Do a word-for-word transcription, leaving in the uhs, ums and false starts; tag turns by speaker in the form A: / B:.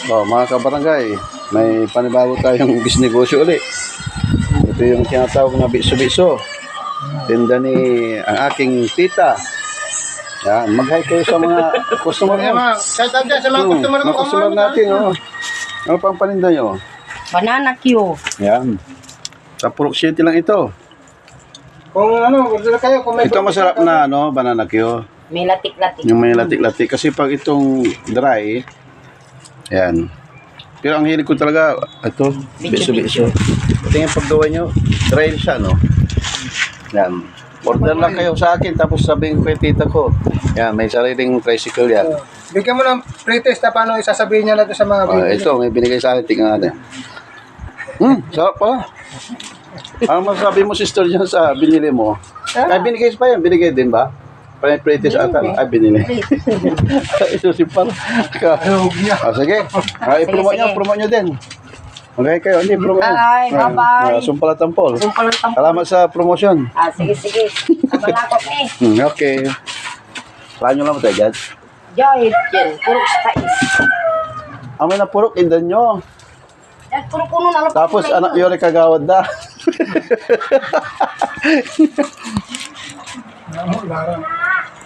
A: Oh, mga kabarangay, may panibago tayong bisnegosyo ulit. Ito yung tinatawag na biso-biso. Tinda ni ang aking tita. Yan, mag-hi kayo sa mga customer
B: Kaya
A: mo.
B: mga, shout out dyan sa mga
A: Hmm,
B: customer ko.
A: mga customer natin, oh. Ano pang paninda nyo?
C: Banana Q.
A: Yan. Sa Purok City lang ito.
B: Kung ano, order kayo. Kung may
A: Ito masarap na, ano, banana Q.
C: May latik-latik.
A: Yung may latik-latik. Kasi pag itong dry, yan. Pero ang hilig ko talaga, ito, biso-biso. Ito yung paggawa nyo, dry siya, no? Yan. Order lang kayo sa akin, tapos sabihin ko kay tita ko. Yan, may sariling tricycle yan.
B: Bigyan mo ng pre-test na paano isasabihin niya natin sa mga
A: Uh,
B: bibili.
A: ito, may binigay sa akin, tingnan natin. Hmm, sarap pala. Ano masasabi mo, sister, dyan sa binili mo? Ay, binigay pa yan, binigay din ba? Para yung pre-test ata, ay, binili. Ito si Par. Ah, sige. Ah, i-promote nyo,
C: sige.
A: promote nyo din. Okay kayo, hindi, promote nyo.
C: Bye, bye-bye.
A: Ah, Sumpalat Tampol.
C: Sumpal ng tampo.
A: Salamat sa promotion.
C: Ah, sige, sige. Kamalakot eh.
A: Hmm, okay. Saan nyo lang mo tayo, Jad?
C: Joy, yan. Puro spice.
A: Amoy na purok, indan nyo.
C: Yan, puro kuno na lang.
A: Tapos anak yore kagawad na.
B: Ano, Lara?